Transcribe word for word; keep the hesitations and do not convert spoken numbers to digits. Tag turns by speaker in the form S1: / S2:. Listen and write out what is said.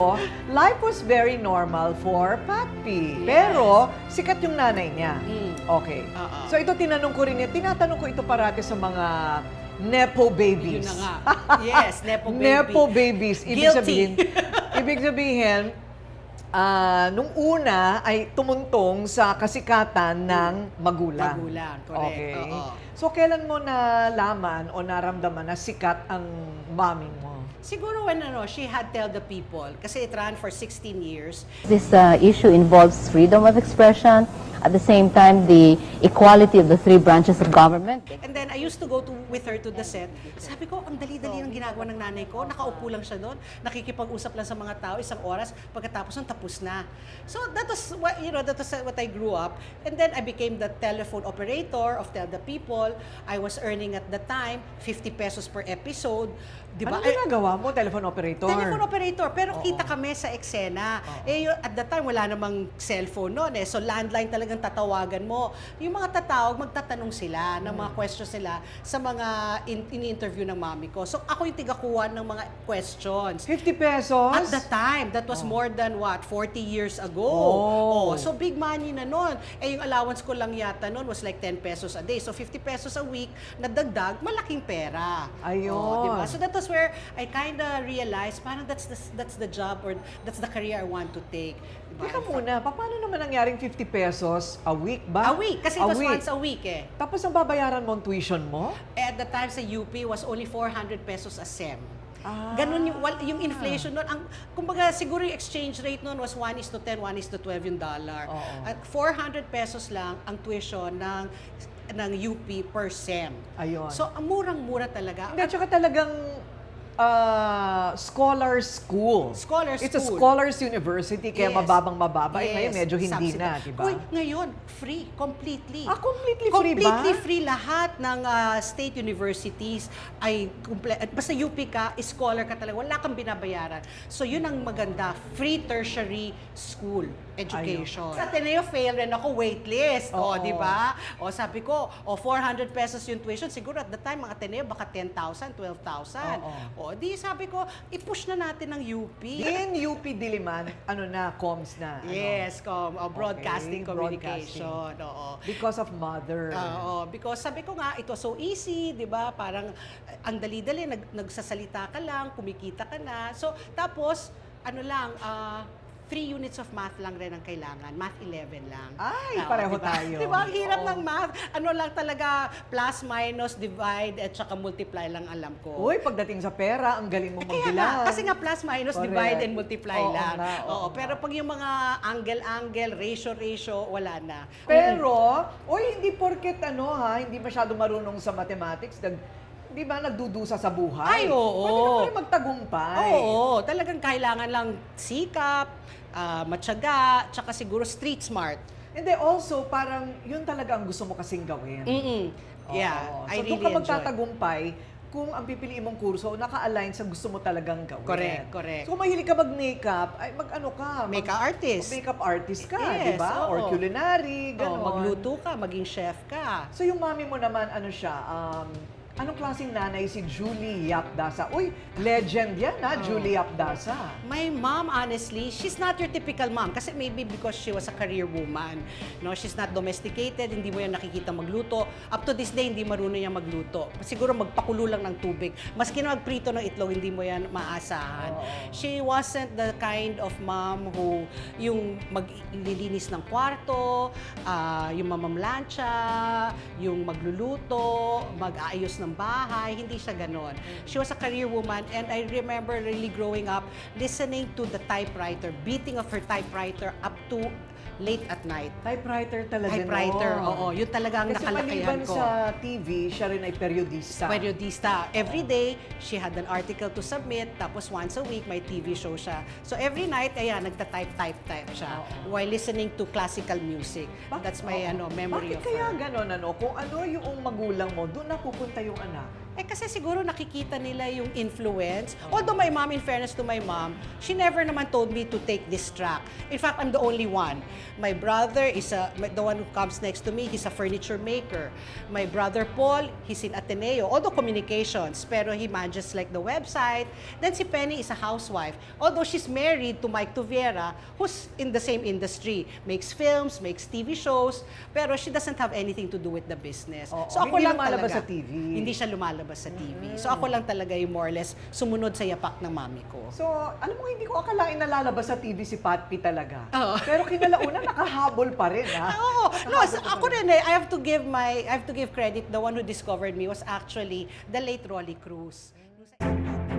S1: Life was very normal for Pat P. Pero, sikat yung nanay niya.
S2: Mm.
S1: Okay.
S2: Oo.
S1: So ito tinanong ko rin niya, tinatanong ko ito parati sa mga Nepo babies.
S2: Yun na nga. Yes, Nepo baby.
S1: Nepo babies. Ibig
S2: Guilty.
S1: sabihin, ibig sabihin, ah, nung una ay tumuntong sa kasikatan ng magulang.
S2: Magulang, correct.
S1: Okay.
S2: Oo.
S1: So kailan mo nalaman o naramdaman na sikat ang mami mo?
S2: Siguro when ano, she had Tell the People, kasi it ran for sixteen years.
S3: This uh, issue involves freedom of expression, at the same time the equality of the three branches of government.
S2: And then I used to go to with her to the set. Sabi ko, ang dali-dali ng ginagawa ng nanay ko. Nakaupo lang siya doon, nakikipag-usap lang sa mga tao isang oras, pagkatapos ng tapos na. So that was what, you know, that was what I grew up. And then I became the telephone operator of Tell the People. I was earning at the time fifty pesos per episode. Di ba?
S1: Anong ginagawa mo? Telephone operator?
S2: Telephone operator, pero
S1: Oo.
S2: kita kami sa eksena. Eh, yun, at that time, wala namang cellphone noon eh. So, landline talagang tatawagan mo. Yung mga tatawag, magtatanong sila ng mga questions nila sa mga in- in-interview ng mami ko. So, ako yung tigakuha ng mga questions.
S1: fifty pesos?
S2: At the time, that was more than what, forty years ago.
S1: Oh.
S2: So big money na nun. Eh yung allowance ko lang yata nun was like ten pesos a day. So fifty pesos a week na dagdag, malaking pera.
S1: Ayun.
S2: Oh, diba? So that was where I kind of realized, parang that's the, that's the job or that's the career I want to take. Diba?
S1: Teka muna, paano naman nangyaring fifty pesos a week ba?
S2: A week, kasi it was once a week eh.
S1: Tapos ang babayaran mo ang tuition mo?
S2: Eh, At the time sa U P was only four hundred pesos a sem.
S1: Ah.
S2: Ganun yung, wal- yung inflation nun. Ang, kumbaga, siguro yung exchange rate nun was one is to ten, one is to twelve yung dollar.
S1: Oo.
S2: At four hundred pesos lang ang tuition ng ng U P per sem.
S1: Ayun.
S2: So, ang murang-mura talaga.
S1: Hindi, tsaka talagang ah, scholar school.
S2: Scholar
S1: It's a
S2: school.
S1: scholars university, kaya
S2: Yes.
S1: mababang mababa. Eh,
S2: Yes,
S1: ngayon medyo hindi
S2: subsidy.
S1: na, di ba?
S2: Uy, ngayon, free, completely.
S1: Ah, completely free ba?
S2: Completely free lahat ng ah, state universities ay kumple- at basta U P ka, scholar ka talaga, wala kang binabayaran. So yun ang maganda, free tertiary school education. Sa Ateneo fail rin ako waitlist, o
S1: Oo.
S2: di ba? O sabi ko, o four hundred pesos yung tuition, siguro at the time mga Ateneo baka ten thousand, twelve thousand.
S1: Oo.
S2: O di sabi ko, i-push na natin ng U P.
S1: In U P Diliman, ano na, comms na. ano?
S2: Yes, com, uh, broadcasting
S1: Okay,
S2: communication. Oo.
S1: Because of mother.
S2: Oo, because sabi ko nga, ito so easy, di ba? Parang uh, ang dali-dali, nag, nagsasalita ka lang, kumikita ka na. So, tapos, ano lang, uh, three units of math lang rin ang kailangan. Math eleven lang.
S1: Ay,
S2: Oo,
S1: pareho
S2: diba?
S1: tayo.
S2: Di ba? Ang hirap
S1: Oo.
S2: ng math. Ano lang talaga, plus, minus, divide, at saka multiply lang alam ko.
S1: Uy, pagdating sa pera, ang galing mong
S2: Kaya
S1: magbilang.
S2: nga, kasi nga plus, minus,
S1: Correct.
S2: divide, and multiply
S1: Oo
S2: lang.
S1: nga, oo
S2: Oo,
S1: nga.
S2: pero pag yung mga angle-angle, ratio-ratio, wala na.
S1: Pero, uy, hindi porket ano ha, hindi masyado marunong sa mathematics, nag, di ba nagdudusa sa buhay?
S2: Ay, oo.
S1: Pwede ka pa rin magtagumpay.
S2: Oo, talagang kailangan lang sikap, ah, matyaga, tsaka siguro street smart.
S1: And then also, parang yun talaga ang gusto mo kasing gawin.
S2: Mm-mm. Yeah,
S1: Oo.
S2: I
S1: so,
S2: really
S1: doon ka
S2: enjoy.
S1: magtatagumpay kung ang pipiliin mong kurso naka-align sa gusto mo talagang gawin.
S2: Correct, correct.
S1: So, kung mahilig ka mag-makeup, ay mag-ano ka? mag-
S2: Makeup artist.
S1: Makeup artist ka, di
S2: Yes,
S1: ba?
S2: oo.
S1: Or culinary,
S2: Oo,
S1: gano'n.
S2: magluto ka, maging chef ka.
S1: So, yung mami mo naman, ano siya, um, anong klaseng nanay si Julie Yapdasa? Uy, legend yan ha, Julie Yapdasa.
S2: My mom, honestly, she's not your typical mom. Kasi maybe because she was a career woman. No, she's not domesticated, hindi mo yan nakikita magluto. Up to this day, hindi marunong yan magluto. Siguro magpakulo lang ng tubig. Maski na magprito ng itlog, hindi mo yan maasahan.
S1: Oo.
S2: She wasn't the kind of mom who yung maglilinis ng kwarto, ah, yung mamamlansya, yung magluluto, mag-aayos ng bahay, hindi siya ganon. She was a career woman and I remember really growing up listening to the typewriter, beating of her typewriter up to late at night.
S1: Typewriter talaga,
S2: Typewriter,
S1: no?
S2: oo. Yun talaga ang
S1: Kasi
S2: nakalakayan
S1: maliban
S2: ko.
S1: sa T V, siya rin ay periodista.
S2: Periodista. Every day, she had an article to submit, tapos once a week, may T V show siya. So every night, ayan, nagta-type-type-type siya
S1: Oo.
S2: while listening to classical music. That's my
S1: Oo.
S2: ano memory
S1: Bakit
S2: of
S1: kaya
S2: her.
S1: ganon, ano? Kung ano yung magulang mo, doon napupunta yung anak.
S2: Eh kasi siguro nakikita nila yung influence. Although my mom, in fairness to my mom, she never naman told me to take this track. In fact, I'm the only one. My brother is a, the one who comes next to me, he's a furniture maker. My brother Paul, he's in Ateneo, although communications, pero he manages like the website. Then si Penny is a housewife. Although she's married to Mike Tuviera, who's in the same industry, makes films, makes T V shows, pero she doesn't have anything to do with the business.
S1: Oo,
S2: so ako
S1: hindi
S2: lang
S1: lumalabas
S2: talaga.
S1: sa T V.
S2: Hindi siya lumalabas sa T V. So ako lang talaga yung more or less sumunod sa yapak ng mami ko.
S1: So, alam mo, hindi ko akalain na lalabas sa T V si Pat P talaga.
S2: Oo.
S1: Pero kinalauna, nakahabol pa rin, ha?
S2: Oo. No,
S1: Nakahabol
S2: sa-
S1: pa
S2: ako
S1: rin.
S2: rin eh, I have to give my I have to give credit, the one who discovered me was actually the late Rolly Cruz.